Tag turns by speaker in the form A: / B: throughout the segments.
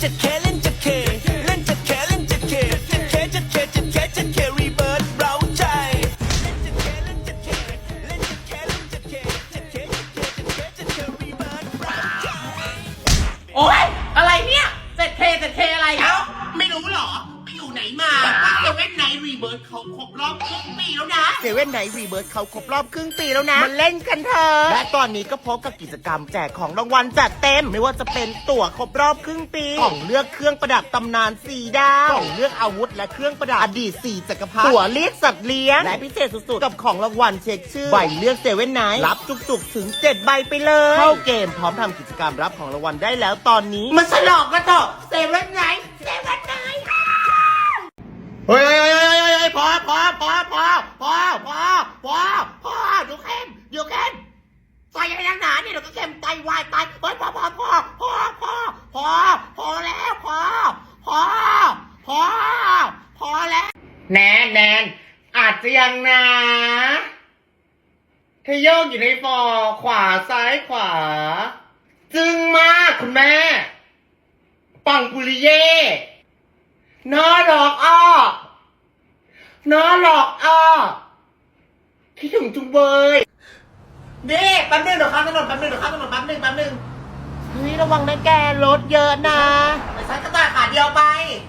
A: จะเคเล่นจะเคเล่นจะเคเล่นจะเคจะเคจะเคจะเคจะเครีเบิร์ดเร้าใจเล่นจะเคเล่นจะเคเล่นจะเคเล่นจะเคจะเคจะเคจะเคจะเครีเบิร์ดเร้าใจ
B: โอ๊ยอะไรเนี่ยเจ็ดเคอะไร
C: เอ้าไม่รู้เหรอไปอยู่ไหนมาเซเว่นไนท์รีเบิร์ดเขาครบรอบครึ่งปีแล้วนะ
D: เซเว่นไนท์รีเบิร์ดเขาครบรอบครึ่งปีแล้วนะมาเล่นกันเถอะและตอนนี้ก็พบกับกิจกรรมแจกของรางวัลจัดเต็มไม่ว่าจะเป็นตั๋วครบรอบครึ่งปีกล่องเลือกเครื่องประดับตำนาน4 ดาวกล่องเลือกอาวุธและเครื่องประดับอดีต4 จักรพรรดิตั๋วเรียกสัตว์เลี้ยงและพิเศษสุดๆกับของรางวัลเช็คชื่อใบเลือกเซเว่นไนท์รับจุกๆถึง7 ใบไปเลยเข้าเกมพร้อมทำกิจกรรมรับของรางวัลได้แล้วตอนนี้มาฉลองกันเถอะเซเว่นไนท์เฮ้ยพออยู่เข้มใส่ยังไงนักหนาเนี่ยเดี๋ยวก็เข้มไตวายตายเฮ้ยพอแล้วพอแล้วแนนอาจจะยังนะเธอโยกอยู่ในฟอขวาซ้ายขวาจึงมากคุณแม่ปังปุริเย่น้อหลอกอ้อคิดถึงจุงเบยนี่แป๊บนึงเดี๋ยวข้ามถนนแป๊บนึงเฮ้ยระวังนะแกรถเยอะนะไปใช้กระต่ายขาเดียวไป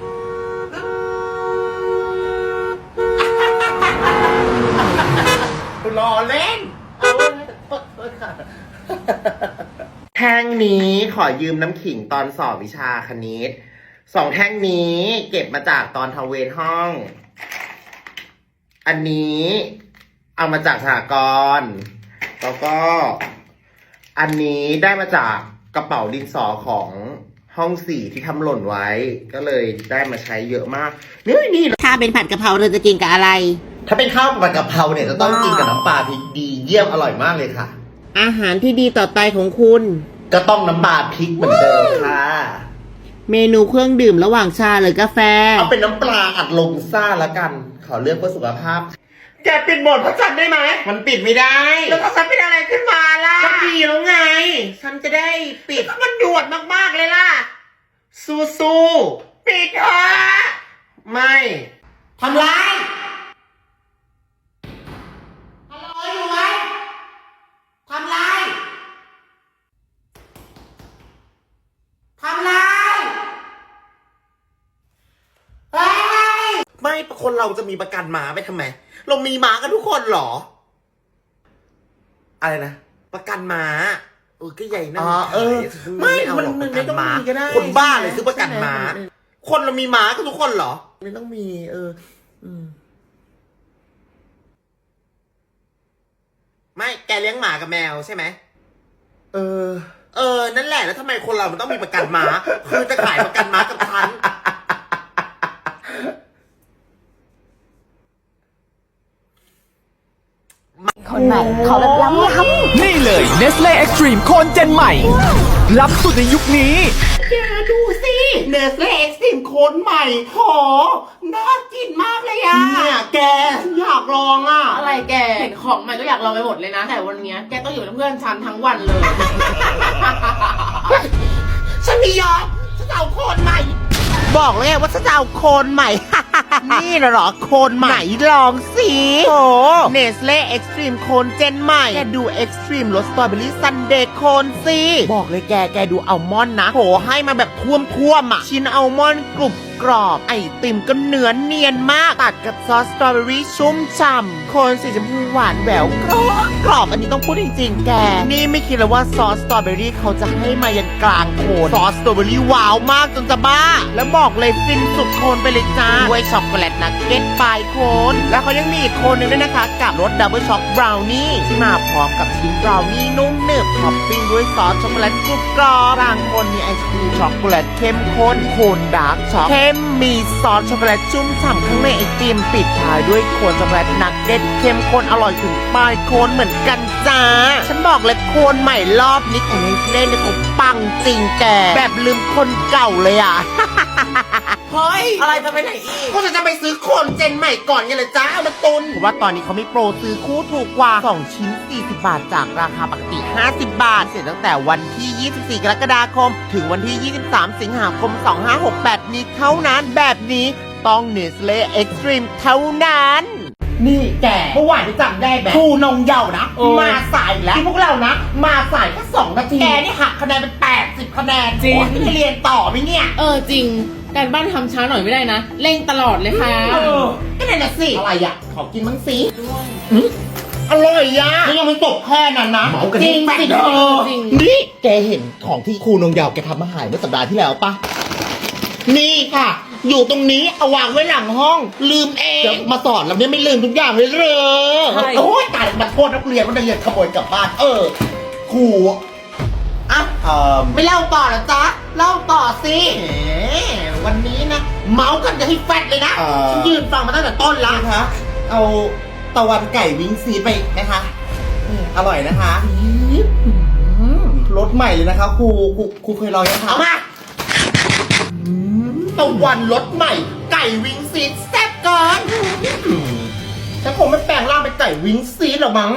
D: รอเล่นแท่งนี้ขอยืมน้ำขิงตอนสอบวิชาคณิต2 แท่งนี้เก็บมาจากตอนทำเวรห้องอันนี้เอามาจากสหกรณ์แล้วก็อันนี้ได้มาจากกระเป๋าดินสอของห้อง4ที่ทำหล่นไว้ก็เลยได้มาใช้เยอะมากนี่ถ้าเป็นผัดกะเพราเธอจะกินกับอะไรถ้าเป็นข้าวผัดกะเพราเนี่ยจะต้องกินกับน้ำปลาพริกดีเยี่ยมอร่อยมากเลยค่ะอาหารที่ดีต่อไตของคุณก็ต้องน้ำปลาพริกเหมือนเดิมค่ะเมนูเครื่องดื่มระหว่างชาหรือกาแฟเอาเป็นน้ำปลาอัดลมซ่าละกันขอเลือกเพื่อสุขภาพแกปิดบทพระจันทร์ได้ไหมมันปิดไม่ได้แล้วถ้าฉันเป็นอะไรขึ้นมาล่ะก็ดีแล้วไงฉันจะได้ปิดมันด่วนมากๆเลยล่ะสู้ปิดเถอะไม่ทำไรอยู่ไหมทำไรไม่คนเราจะมีประกันม้าไปทำไมเรามีม้ากันทุกคนเหรออะไรนะประกันม้าก็ใหญ่นะไม่มันไม่ต้องมีก็ได้คนบ้าเลยซื้อประกันม้าคนเรามีม้ากันทุกคนเหรอไม่ต้องมีไม่แกเลี้ยงหมากับแมวใช่ไหมนั่นแหละแล้วทำไมคนเรามันต้องมีประกันม้าคือจะขายประกันม้ากับฉัน
E: คนใหม่ขอแบบล้ำ
F: นี่เลย Nestle Extreme โคนเจนใหม่ล้ำสุดในยุคนี้
D: แกดูสิเนสเล่เอ็กซ์ตรีมโคนใหม่โหน่ากินมากเลยอ่ะเนี่ยแกอยากลองอ่ะ
B: อะไรแกเห็นของใหม่ก็อยากลองไปหมดเลยนะแต่วันนี้แกต้องอยู่กับเพื่อนฉันทั้งวันเลย
D: ฉันไม่ยอมฉันจะเอาโคนใหม่บอกเลยว่าฉันจะเอาโคนใหม่ นี่นะเหรอโคนใหม่ลองสิโอ้เนสเล่เอ็กซ์ตรีมโคนเจนใหม่แกดูเอ็กซ์ตรีมรสสตรอเบอรี่ซันเดย์โคนสิบอกเลยแกดูอัลมอนด์นะโหให้มาแบบท่วมอ่ะชิ้นอัลมอนด์กรุบกรอบไอติมก็เนื้อเนียนมากตัดกับซอสสตรอเบอรี่ชุ่มฉ่ำโคนสีชมพูหวานแหววกรอบอันนี้ต้องพูดจริงๆแกนี่ไม่คิดเลยว่าซอสสตรอเบอรี่เขาจะให้มายันกลางโคนซอสสตรอเบอรี่ว้าวมากจนจะบ้าแล้วบอกเลยฟินสุดโคนไปเลยจ้าด้วยช็อกโกแลตนักเก็ตปลายโคนแล้วเขายังมีอีกโคนนึงด้วยนะคะกับรสดับเบิลช็อกบราวนี่ที่มาพร้อมกับชิ้นบราวนี่นุ่มหนึบท็อปปิ้งด้วยซอสช็อกโกแลตกรุบกรอบกลางโคนมีไอศครีมช็อกโกแลตเข้มข้นโคนดาร์กช็อกมีซอสช็อกโกแลตชุ่มฉ่ำข้างในไอติมปิดท้ายด้วยโคนช็อกโกแลตนักเก็ตเข้มข้นอร่อยถึงปลายโคนเหมือนกันจ้าฉันบอกเลยโคนใหม่รอบนี้ของเนสเล่เนี่ยเขาปังจริงแกแบบลืมคนเก่าเลยอ่ะเฮ้ยอะไรจะไปไหนอีกก็จะไปซื้อโคนเจนใหม่ก่อนไงเลยจ้าเอามาตุนเพราะว่าตอนนี้เขามีโปรซื้อคู่ถูกกว่า2ชิ้น40 บาทจากราคาปกติ50 บาทเสร็จตั้งแต่วันที่24 กรกฎาคมถึงวันที่23 สิงหาคม 2568 นี้เท่านั้นแบบนี้ต้อง Nestle Extreme เท่านั้นนี่แกเมื่อวานที่จำได้แบบครูนงเยาว์นะมาสายแล้วที่พวกเรานะมาสายแค่2 นาทีแกนี่หักคะแนนเป็น80 คะแนนจริงไม่ได้เรียนต่อไหมเนี่ย
B: จริงการบ้านทำช้าหน่อยไม่ได้นะเร่งตลอดเลยค่ะ
D: ก็นั่นน่ะสิอะไรอ่ะขอกินมั้งสิอร่อยอ่ะไม่ยังไม่จบแค่นั้นนะจริงสิเธอ
B: จริง
D: นี่แกเห็นของที่ครูนงเยาว์แกทำมาหายเมื่อสัปดาห์ที่แล้วปะนี่ค่ะ อยู่ตรงนี้เอาวางไว้หลังห้องลืมเองจะมาสอนเราเนี่ยไม่ลืมทุกอย่างเลยเหรอโอ้ยตายมาโทษนักเรียนว่านักเรียนขโมยกลับบ้านครูอ่ะไม่เล่าต่อเหรอจ๊ะเล่าต่อสิวันนี้นะเมาส์กันจะให้แฟดเลยนะฉันยืนฟังมาตั้งแต่ต้นแล้วนะคะเอาตะวันไก่วิ้งซีไปนะคะอร่อยนะคะรสใหม่เลยนะคะครูเคยลองยังคะเอามาตะวันรสใหม่ไก่วิ้งซีแซ่บเกินฉันคงไม่แปลงร่างเป็นไก่วิ้งซีหรอกมั้ง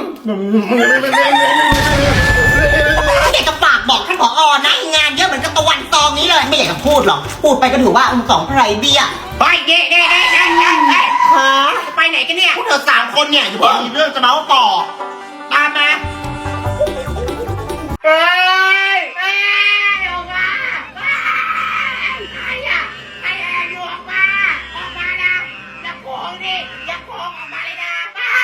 G: อยากจะฝากบอกท่านผอ.นะงานเยอะเหมือนกับตะวันตองนี้เลยไม่อยากจะพูดหรอกพูดไปก็ถือว่าสองไพรเบี้ย
D: ไปเด้ฮะไปไหนกันเนี่ยพวกเธอ3 คนเนี่ยอยู่มีเรื่องจะเมาส์ต่อตามมาออกมาใครแอบอยู่ออกมานะอย่าโกงดิอย่าโกงออกมาเลยนะ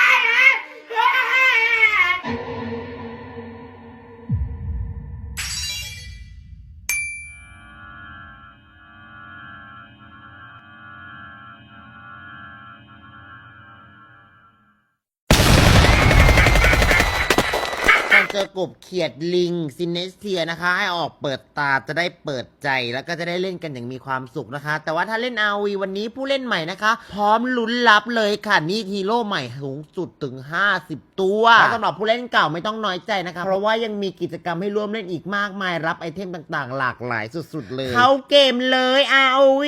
D: เจอกบเขียดลิงซินเนสเทียนะคะให้ออกเปิดตาจะได้เปิดใจแล้วก็จะได้เล่นกันอย่างมีความสุขนะคะแต่ว่าถ้าเล่น RV วันนี้ผู้เล่นใหม่นะคะพร้อมลุ้นรับเลยค่ะนี่ฮีโร่ใหม่สูงสุดถึง50 ตัวแล้วสำหรับผู้เล่นเก่าไม่ต้องน้อยใจนะคะเพราะว่ายังมีกิจกรรมให้ร่วมเล่นอีกมากมายรับไอเทมต่างๆหลากหลายสุดๆเลยเข้าเกมเลย ROV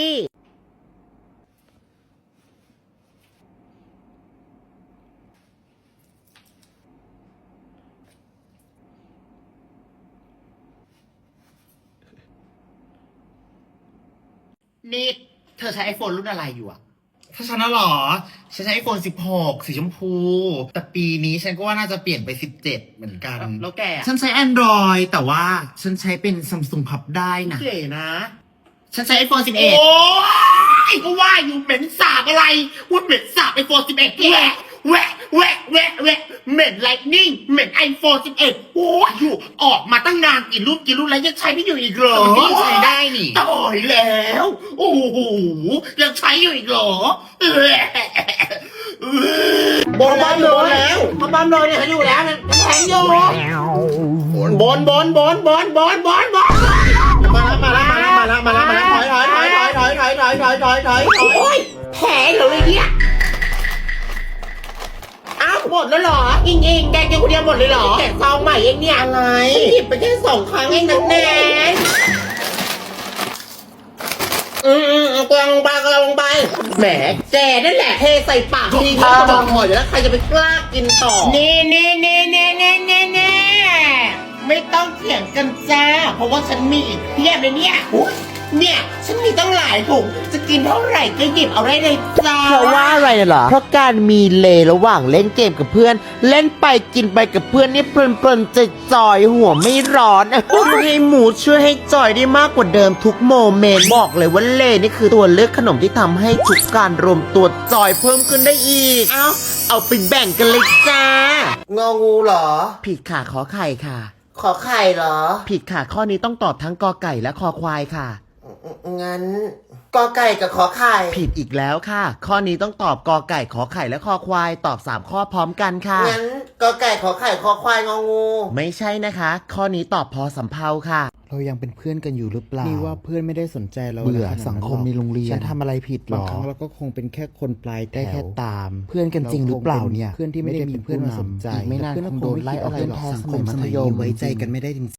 D: นี่เธอใช้ iPhone รุ่นอะไรอยู่อะถ้าฉันน่ะหรอฉันใช้ iPhone 16 สีชมพู แต่ปีนี้ฉันก็ว่าน่าจะเปลี่ยนไป17เหมือนกันแล้วแกฉันใช้ Android แต่ว่าฉันใช้เป็น Samsung พับได้นะเก๋นะฉันใช้ iPhone 11 โอ้ยก็ว่าอยู่เหม็นสาบอะไรว่าเหม็นสาบ iPhone 11แหวะเหม็น Lightning เหม็น iPhone 11โอ้ยอยู่ออกมาตั้งนานกี่รุ่นแล้วยังใช้ไม่อยู่อีกเหรอมันก็ยังใช้ได้นี่ตายแล้วโอ้โหยังใช้อยู่อีกเหรอบนบ้านโดนแล้วบ้านโดนเนี่ยอยู่แล้วมันแทงอยู่บนมาแล้วถอยโอ้ยแผลเหรอเลยเนี่ยอ้าวหมดแล้วเหรออิงแกกินคนเดียวหมดเลยเหรอแกะซองใหม่เองเนี่ยอะไรหยิบไปแค่2 ครั้งเองนะแนนกำลังไปแหมแกนั่นแหละเทใส่ปากทีก็จะบอกหมดอยู่แล้วใครจะไปกล้ากินต่อนี่ไม่ต้องเถียงกันจ้าเพราะว่าฉันมีอีกเพียบเลยเนี่ยฉันมีตั้งหลายถุงจะกินเท่าไหร่ก็หยิบเอาได้เลยจ้าเพราะว่าอะไรเหรอเพราะการมีเลระหว่างเล่นเกมกับเพื่อนเล่นไปกินไปกับเพื่อนนี่เพลินจอยหัวไม่ร้อนให้หมูช่วยให้จอยได้มากกว่าเดิมทุกโมเมนต์บอกเลยว่าเลนี่คือตัวเลือกขนมที่ทำให้ทุกการรวมตัวจอยเพิ่มขึ้นได้อีกเอาไปแบ่งกันเลยจ้างองูเหรอผิดค่ะขอไข่ค่ะขอไข่เหรอผิดค่ะข้อนี้ต้องตอบทั้งกอไก่และคอควายค่ะงั้นกอไก่กับขอไข่ผิดอีกแล้วค่ะข้อนี้ต้องตอบกอไก่ขอไข่และคอควายตอบ3 ข้อพร้อมกันค่ะงั้นกอไก่ขอไข่คอควายงองูไม่ใช่นะคะข้อนี้ตอบพอสำเภาค่ะ
H: เรายังเป็นเพื่อนกันอยู่หรือเปล่านี่ว่าเพื่อนไม่ได้สนใจเรา
G: เบื่อสังคมในโรงเรียน
H: ฉันทำอะไรผิดหรอบางครั้งเราก็คงเป็นแค่คนปลายแถวได้แค่ตามเพื่อนกันจริงหรือเปล่าเนี่ยเพื่อนที่ไม่ได้มีเพื่อนมาสนใจอีกไม่นานคงโดนไล่ออกจากสังคมมัธยมไว้ใจกันไม่ได้จริง